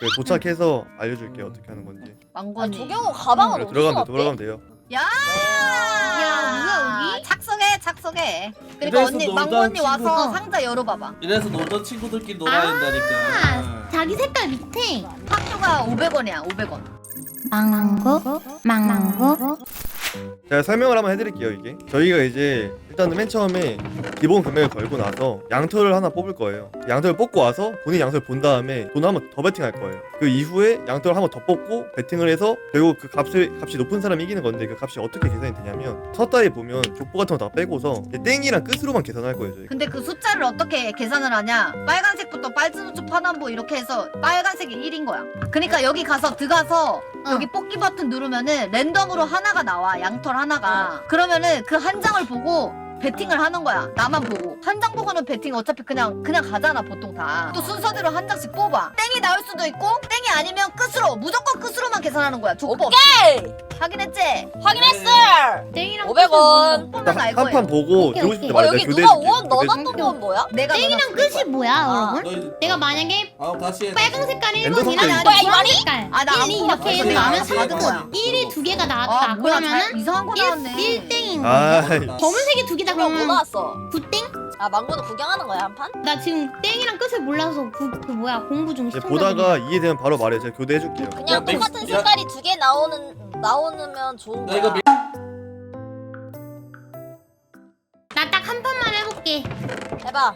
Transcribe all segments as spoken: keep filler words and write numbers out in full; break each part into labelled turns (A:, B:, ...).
A: 그 도착해서 알려줄게요 어떻게 하는 건지.
B: 아,
C: 망건이.
B: 조경호 가방은
A: 그래,
B: 어디서
A: 들어가면 돼,
B: 났대?
A: 들어가면 돼요.
C: 야,
B: 야,
C: 여기 착석해, 착석해. 그러니까
D: 그래서
C: 언니,
D: 놀던
C: 망건이 와서
B: 친구가-
C: 상자 열어봐봐.
D: 이래서 놀던 친구들끼리 놀아야 된다니까.
E: 아, 자기 색깔 밑에
C: 학교가 오백 원이야, 오백 원.
E: 망고 망고
A: 제가 설명을 한번 해드릴게요. 이게 저희가 이제 일단은 맨 처음에 기본 금액을 걸고 나서 양털을 하나 뽑을 거예요. 양털을 뽑고 와서 본인 양털을 본 다음에 돈을 한번 더 베팅할 거예요. 그 이후에 양털을 한번 더 뽑고 베팅을 해서 결국 그 값을 값이 높은 사람이 이기는 건데, 그 값이 어떻게 계산이 되냐면 서다에 보면 족보 같은 거 다 빼고서 땡이랑 끝으로만 계산할 거예요. 저희.
C: 근데 그 숫자를 어떻게 계산을 하냐? 빨간색부터 빨주노초 파남보 이렇게 해서 빨간색이 일인 거야. 그러니까 여기 가서 들어가서 여기 뽑기 버튼 누르면은 랜덤으로 하나가 나와. 양털 하나가. 그러면은 그 한 장을 보고 배팅을 하는 거야. 나만 보고. 한 장 보고는 배팅 어차피 그냥 그냥 가잖아 보통 다. 또 순서대로 한 장씩 뽑아. 땡이 나올 수도 있고 땡이 아니면 끝으로 무조건 끝으로만 계산하는 거야. 족보 없이.
B: 오케이!
C: 확인했지?
B: 확인했어!
E: 땡이랑
B: 오백 원.
C: 보면 알
A: 한 판
C: 거예요.
A: 보고
E: 오케이,
A: 들고 싶을 때
E: 오케이.
B: 어,
A: 말해.
B: 여기
A: 내가
B: 누가
A: 교대해줄게.
B: 원 넣어놨던
A: 교대해줄게.
B: 건 뭐야?
C: 내가
E: 땡이랑
C: 넣어놨을
E: 끝이
C: 거야.
E: 뭐야
B: 아,
E: 여러분?
D: 너희
E: 내가 만약에
D: 아 다시 해.
E: 빨간 색깔 일
A: 엔더
E: 번이랑
A: 선택.
C: 아니,
B: 뭐야, 이
E: 주황
B: 말이?
E: 색깔
C: 아, 나안
E: 일, 이
C: 뽑았어.
E: 이렇게 해서
D: 내가
E: 나면
D: 안
E: 삼
D: 받은 거야.
E: 등 일이 두 개가
C: 아
E: 나왔다
C: 뭐야 잘,
E: 그러면은
C: 이상한 거 나왔네.
E: 일 땡인
A: 아,
E: 거야 검은색이 두 개다
B: 그럼 뭐
E: 그러면
B: 나왔어?
E: 구 땡?
B: 아, 망고는 구경하는 거야, 한 판?
E: 나 지금 땡이랑 끝을 몰라서 그, 그 뭐야 공부 중
A: 이제
E: 시청자들이.
A: 보다가 이해되면 바로 말해. 제가 교대해줄게요.
B: 그냥
D: 야, 믹스-
B: 똑같은
D: 야.
B: 색깔이 두 개 나오는, 나오면 좋은
D: 나
B: 거야.
D: 이거 미-
E: 나 딱 한 판만 해볼게.
B: 해봐.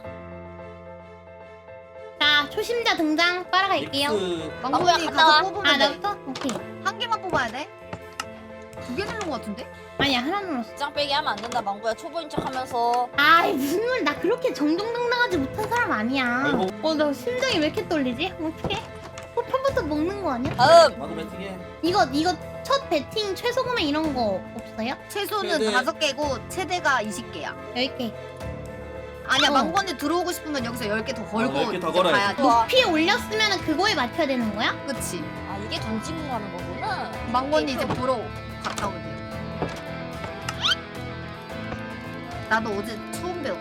E: 자 초심자 등장 따라갈게요.
D: 믹스
C: 망고야
B: 갔다
C: 가서
B: 와.
C: 뽑으면
E: 아
C: 돼.
E: 나부터? 오케이.
C: 한 개만 뽑아야 돼? 두 개 누른 거 같은데?
E: 아니야 하나 눌렀어.
B: 장 빼기 하면 안 된다, 망고야. 초보인 척 하면서.
E: 아이 무슨 말, 나 그렇게 정정당당하지 못한 사람 아니야.
D: 아이고.
E: 어 나 심장이 왜 이렇게 떨리지? 어떡해? 어 편부터 먹는 거 아니야?
B: 다음!
D: 나도 배팅해.
E: 이거 이거 첫 배팅 최소 금액 이런 거 없어요?
C: 최소는
D: 최대.
C: 다섯 개고 최대가 이십 개야.
E: 열 개.
C: 아니야
E: 어.
C: 망고니 들어오고 싶으면 여기서 열 개 더 걸고
D: 어, 열개더
C: 이제
D: 걸어야지.
C: 가야 돼.
B: 좋아.
E: 높이 올렸으면 그거에 맞춰야 되는 거야?
C: 그치?
B: 아, 이게 던지고 가는 거구나.
C: 망고니 이제 보러 갔다 오세요. 나도 어제 처음 배웠어.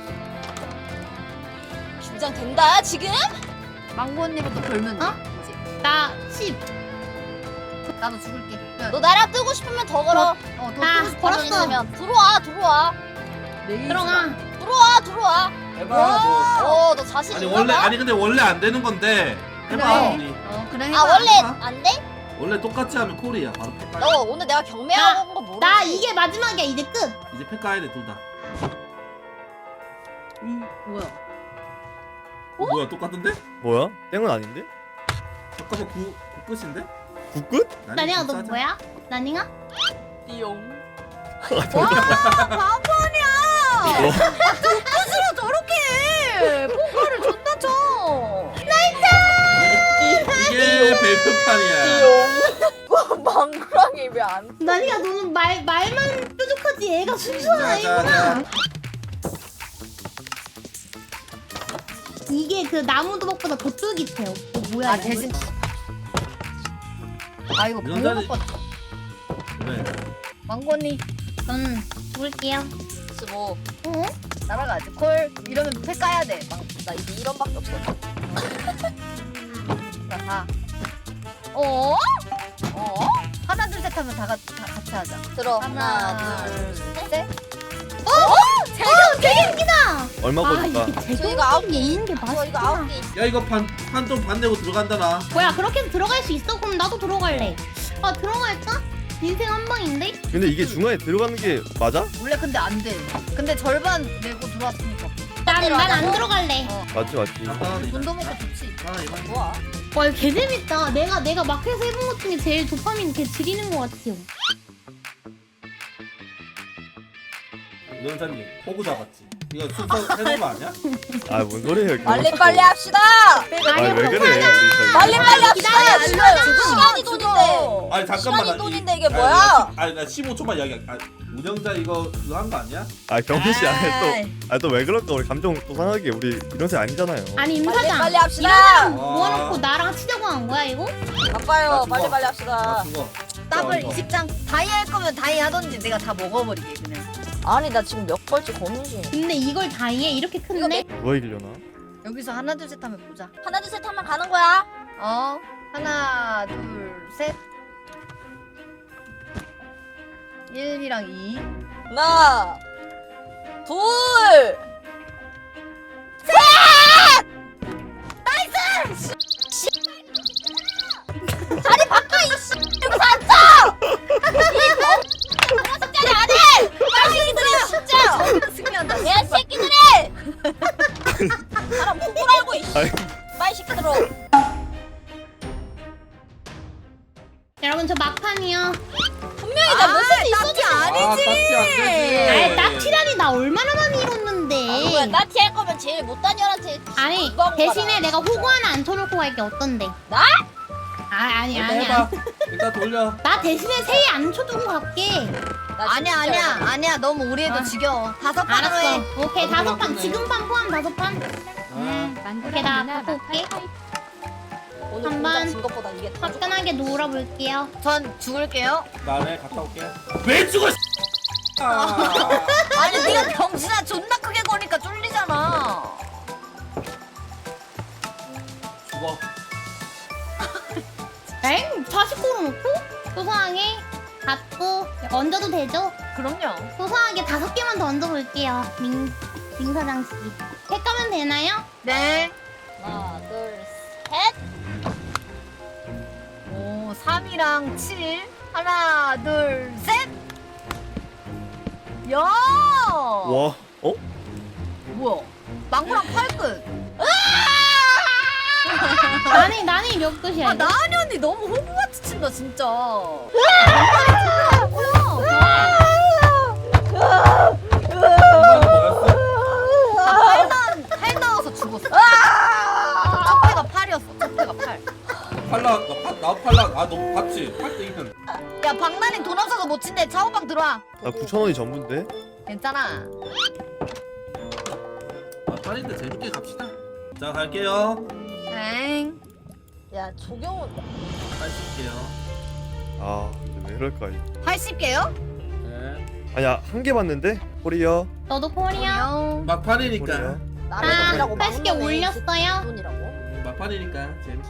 B: 긴장된다, 지금?
C: 망고 언니부터 걸면 돼.
E: 어?
C: 이제.
E: 나 십.
C: 나도 죽을게. 야,
B: 너 나랑 뜨고 싶으면 더 걸어.
C: 어, 더
E: 아,
C: 뜨고 싶어.
E: 걸었어.
B: 있으면. 들어와, 들어와.
C: 레이즈가.
E: 들어가.
B: 들어와, 들어와.
D: 해봐. 너.
B: 어, 너 자신
D: 아니
B: 있나
D: 원래
B: 봐?
D: 아니 근데 원래 안 되는 건데. 해봐.
C: 그래.
D: 우리.
C: 어, 그래 해봐.
B: 아, 원래
D: 해봐.
B: 안 돼?
D: 원래 똑같이 하면 콜이야. 바로 패.
B: 너 오늘 내가 경매하고 온 거 모르지?
E: 나 이게 마지막이야 이제 끝.
D: 이제 패 까야 돼 둘 다.
C: 뭐야?
D: 어? 뭐야 똑같은데?
A: 뭐야? 땡은 아닌데?
D: 잠깐만 구, 구 끝인데?
A: 국끝?
E: 나니가 너 뭐야? 나니가?
B: 띠용.
C: 와, 바보 아니야. 끝으로 저렇게 해. 포카를 존나 쳐.
D: 이게 배표판이야.
B: 띠용. 망구랑이 왜 안?
E: 나니가 너는 말 말만 뾰족하지 애가 순수한
D: 자, 자,
E: 아이구나.
D: 자.
E: 이게 그 나무 도박보다 더 쫄깃해요. 어, 뭐야?
C: 아
E: 이거?
C: 대신. 아 이거
D: 이런
C: 보고
D: 자리-
C: 봐.
D: 그래.
C: 망고 언니
E: 저는 죽을게요.
B: 뭐,
E: 어?
C: 날아가지. 콜 이러면 패 까야 돼. 망.
B: 나 이제 이런 밖에 없어.
C: 자, 가.
B: 어?
C: 어? 하나 둘 셋 하면 다, 같- 다 같이 하자.
B: 들어.
C: 하나,
B: 하나, 둘, 셋.
C: 셋.
E: 어, 되게 웃기다.
A: 얼마
E: 아
A: 걸릴까?
E: 이게
B: 저 이거 아홉 개
E: 제격이 있는 게
B: 저 이거 아홉
E: 맛있구나.
B: 개 있어.
D: 야 이거 판판좀 반대고 들어간다 나.
E: 뭐야 그렇게 해서 들어갈 수 있어? 그럼 나도 들어갈래. 아 들어갈까? 인생 한 방인데?
A: 근데 이게 중간에 들어가는 게 맞아?
C: 원래 근데 안 돼. 근데 절반 내고 들어왔으니까.
E: 난 난 안
B: 들어가자고?
E: 들어갈래.
C: 어.
A: 맞지 맞지.
D: 간단하네.
C: 돈도 먹고 좋지.
D: 아 이만.
B: 좋아.
E: 와 이거 개 재밌다. 내가 내가 마크에서 해본 것 중에 제일 도파민 개 지리는 것 같아요.
D: 위원장님 호구 잡았지. 이거 순서 해놓은 거 아니야?
A: 아 뭔 소리예요?
B: 빨리 빨리 합시다.
A: 아왜 그래? 우리 저기.
B: 빨리 빨리 합시다.
C: 기다려,
B: 지금
C: 기다려.
B: 시간이 돈인데.
D: 아니 잠깐만.
B: 시간이
D: 나
B: 돈인데
D: 이-
B: 이게
D: 아니,
B: 뭐야?
D: 나 시- 아니 나 십오 초만 이야기. 아, 운영자 이거 그거 한 거 아니야?
A: 아 경민 씨 안해
C: 아이.
A: 또. 아 또 왜 그럴까? 우리 감정 또 상하게 우리 이런 새 아니잖아요.
E: 아니 임
B: 빨리
E: 사장.
B: 빨리 합시다.
E: 이러면
D: 와.
E: 모아놓고 나랑 치자고 한 거야 이거?
B: 바빠요.
D: 나
B: 빨리
D: 죽어.
B: 빨리
D: 아
B: 합시다.
D: 죽어.
C: 더블
D: 이거.
C: 이십 장. 다이 할 거면 다이 하던지 내가 다 먹어버리게 그냥.
B: 아니 나 지금 몇 벌째 고민 중.
E: 근데 이걸 다 이해? 이렇게 큰데?
A: 누가 이기려나?
C: 여기서 하나 둘 셋 하면 보자.
B: 하나 둘 셋 하면 가는 거야.
C: 어? 하나 하나 둘셋 일이랑 이.
B: 하나, 둘,
C: 승리한다.
B: 야 새끼들이! 사람 호구라고 이씨.
A: 아이.
B: 빨리 시켜들어.
E: 여러분 저 막판이요.
B: 분명히 나 메시지 있었지.
D: 아 따티 안 되지.
E: 아이 딱티라니 나 얼마나 많이 잃었는데.
B: 누구야? 나티 할 거면 제일 못한 년한테.
E: 아니
B: 이거 하고
E: 대신에
B: 가라.
E: 내가 호구 하나 안 쳐놓고 갈게 어떤데?
B: 나?
E: 아 아니
D: 일단
E: 아니야.
D: 해봐. 일단 돌려.
E: 나 대신에 세이 안 쳐두고 갈게.
B: 나
C: 아니야
B: 진짜
C: 아니야
B: 열받아.
C: 아니야 너무 우리 애도
E: 아.
C: 지겨워. 다섯 판으로
E: 알았어.
C: 해.
E: 오케이
D: 나도
E: 다섯 판
D: 바꾸네.
E: 지금 판 포함 다섯 판.
D: 아,
E: 오케이 나 갖고 올게.
B: 오늘
E: 한
B: 공장
E: 번.
B: 진 것보다 이게 더 좋아.
E: 화끈하게 놀아볼게요.
C: 전 죽을게요.
D: 나네 갔다 올게. 왜 죽어? 아.
C: 아니 네가 병신아 존나 크게 거니까 쫄리잖아.
D: 죽어.
E: 엥? 사십구로 놓고? 소소하게 받고 얹어도 되죠?
C: 그럼요.
E: 소소하게 다섯 개만 더 얹어볼게요. 민, 민 사장씨. 택가면 되나요?
C: 네.
B: 하나, 둘, 셋.
C: 오 삼이랑 칠. 하나 둘 셋. 야.
A: 와, 어?
C: 뭐야? 망고랑 팔끝.
E: 나니, 나니 몇 끝이야?
C: 아
E: 이거?
C: 나은이 언니 너무 호구같이 친다 진짜.
D: 이만이 뭐였어?
C: 팔 나와서 죽었어. 첫 패가 팔이었어. 첫 패가 팔.
D: 팔라 나팔나 팔라 아너 봤지? 팔 때 이는.
C: 야 박나닝 돈 없어서 못 친대. 차오방 들어와.
A: 나 구천 원이 전부인데?
C: 괜찮아.
D: 아 팔인데 재밌게 갑시다. 자 갈게요.
C: 엥.
B: 야 조경은
D: 할게요.
A: 아, 근데 왜 이럴까? 이거.
C: 팔십 개요?
D: 네.
A: 아니야, 한 개 봤는데? 코리어.
E: 너도 코리아?
C: 형.
D: 막판이니까.
A: 코리어.
B: 나를
E: 아,
B: 돈이라고
E: 팔십 개
B: 막는 놈의
E: 올렸어요?
B: 돈이라고.
D: 음, 막판이니까 재밌게.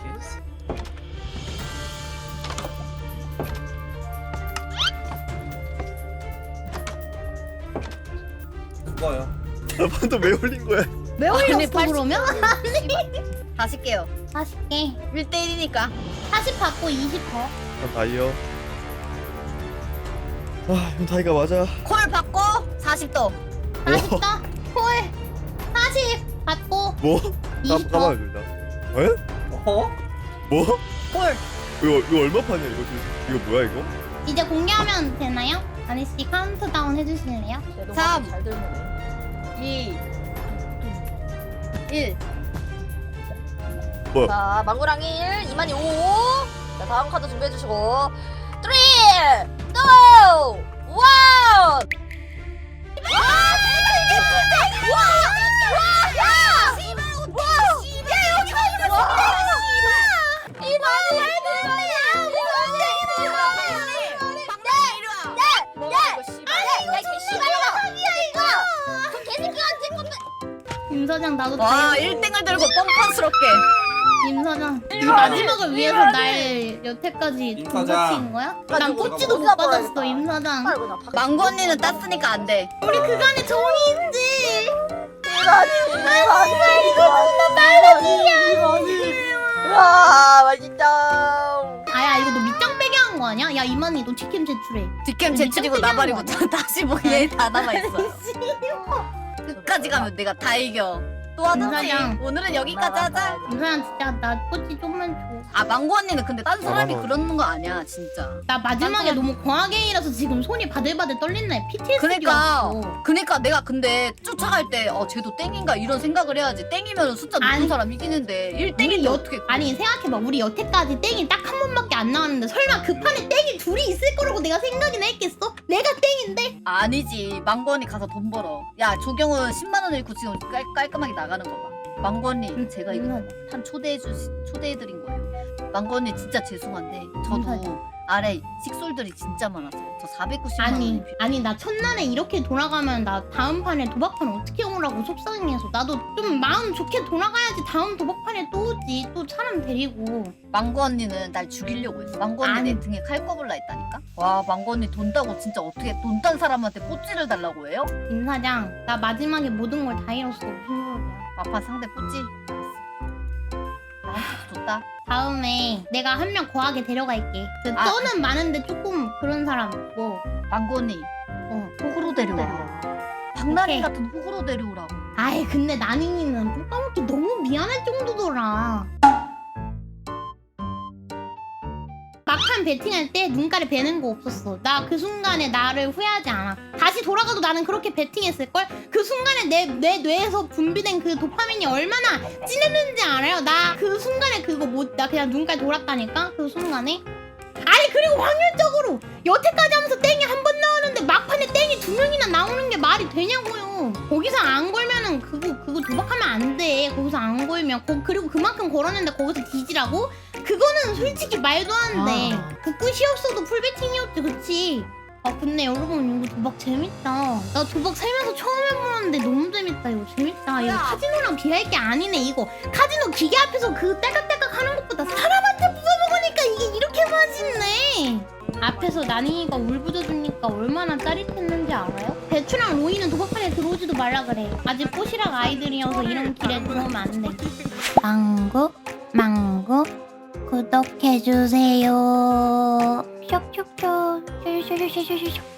D: 죽어요.
A: 나판도 왜 올린 거야?
E: 왜
C: 아니,
E: 올렸어
C: 팔십
E: 그러면?
C: 사십 개요.
E: 사십 개.
C: 일 대 일이니까.
E: 사십 받고 이십 더.
A: 난 다이어. 아, 이건 다이가 맞아.
C: 콜 받고 사십 도.
E: 사십 더. 콜. 사십 받고
A: 뭐?
E: 이십
A: 까,
E: 더.
A: 까봐요, 둘 다. 에?
D: 어?
A: 뭐?
C: 콜.
A: 이거, 이거 얼마 판이야, 이거? 이거 뭐야, 이거?
E: 이제 공개하면 되나요? 아니씨 카운트다운 해주실래요?
B: 내
C: 삼.
B: 잘 들면.
C: 이. 일.
A: 뭐야?
B: 자 망고랑 일, 이만이 오. 자 다음 카드 준비해 주시고. 삼, 이, 일.
E: 임 사장 나도
C: 와
E: 다이어.
C: 일 등을 들고 뻔뻔스럽게.
E: 임 사장 이 마지막을 위해서 날 여태까지
D: 임
E: 등받치인
D: 사장.
E: 거야?
B: 나
E: 난
B: 저거
E: 꼬치도 못
B: 어디다
E: 받았어
B: 버려야겠다.
E: 임 사장.
C: 망고 언니는 땄으니까 안 돼.
E: 우리 그간의 정의인지.
B: 와 맛있다.
E: 아야 이거 너 밑장 빼게 한 거 아니야? 야 이만희 너 치킨 제출해.
C: 뒷캠
E: 우리
C: 제출이고
E: 짱
C: 나발이고
E: 땡겨온
C: 다시 보기에 다 남아있어. 끝까지 가면 내가 다 이겨. 또 하든지.
E: 사장.
C: 오늘은 여기까지 하자.
E: 임 사장 진짜 나 꼬치 좀만 줘.
C: 아 망고 언니는 근데 딴 사람이
A: 아,
C: 그러는 거 아니야 진짜.
E: 나 마지막에
C: 난
E: 너무 과하게 일어서 지금 손이 바들바들 떨린다. 피티에스디
C: 그러니까
E: 왔어.
C: 그러니까 내가 근데 쫓아갈 때 어 쟤도 땡인가 이런 생각을 해야지. 땡이면 숫자 높은
E: 아니.
C: 사람 이기는데 일
E: 우리
C: 땡인데
E: 여,
C: 어떻게
E: 아니 생각해봐 우리 여태까지 땡이 딱 한 번밖에 안 나왔는데 설마 그 판에 땡이 둘이 있을 거라고 내가 생각이나 했겠어? 내가 땡인데?
C: 아니지. 망고 언니 가서 돈 벌어. 야 조경은 십만 원 잃고 지금 깔, 깔끔하게 나가는 거 봐. 망고 언니
E: 응,
C: 제가 이거
E: 응.
C: 판 초대해 주 초대해 드린 거예요. 망고 언니 진짜 죄송한데 저도
E: 응.
C: 아래 식솔들이 진짜 많았어. 저 사백구십만
E: 아니
C: 원이
E: 아니 나 첫날에 이렇게 돌아가면 나 다음 판에 도박판 어떻게 오라고 속상해서 나도 좀 마음 좋게 돌아가야지 다음 도박판에 또 오지 또 사람 데리고.
C: 망고 언니는 날 죽이려고 했어. 망고 언니
E: 아니.
C: 내 등에 칼 꼽을라 했다니까. 와 망고 언니 돈 따고 진짜 어떻게 돈 딴 사람한테 뽀찌를 달라고 해요?
E: 임 사장 나 마지막에 모든 걸 다 잃었어. 무슨 소리야.
C: 마파 상대 뽀찌. 알았어. 나한테도 줬다.
E: 다음에 내가 한 명 거하게 데려갈게. 그
C: 아.
E: 떠는 많은데 조금 그런 사람 있고.
C: 망고 언니
E: 어.
C: 호구로 데려와. 박나니
E: 오케이.
C: 같은 호구로 데려오라고.
E: 아이 근데 나닝이는 똥 까먹기 너무 미안할 정도더라. 막판 베팅할 때 눈가를 베는 거 없었어. 나 그 순간에 나를 후회하지 않아. 다시 돌아가도 나는 그렇게 베팅했을걸? 그 순간에 내, 내 뇌에서 분비된 그 도파민이 얼마나 진했는지 알아요? 나 그 순간에 그거 못, 나 그냥 눈깔 돌았다니까? 그 순간에? 아니 그리고 확률적으로 여태까지 하면서 땡이 한 번 나오는데 막판에 땡이 두 명이나 나오는 게 말이 되냐고요. 거기서 안 걸면은 그거 그거 도박하면 안 돼. 거기서 안 걸면 거, 그리고 그만큼 걸었는데 거기서 뒤지라고? 그거는 솔직히 말도 안 돼.
C: 아.
E: 그 끝이 없어도 풀베팅이었지 그치? 아 근데 여러분 이거 도박 재밌다. 나 도박 살면서 처음 해보는데 너무 재밌다. 이거 재밌다. 이거 카지노랑 비할 게 아니네 이거. 카지노 기계 앞에서 그 딸깍딸깍 하는 것보다 사람한테 부숴먹으니까 이게 이렇게 맛있네. 앞에서 나닝이가 울부짖으니까 얼마나 짜릿했는지 알아요? 배추랑 로이는 도박판에 들어오지도 말라 그래. 아직 꼬시락 아이들이어서 이런 길에 들어오면 안 돼. 망고 망고 구독해주세요. 쇽쇽쇽 쇽쇽쇽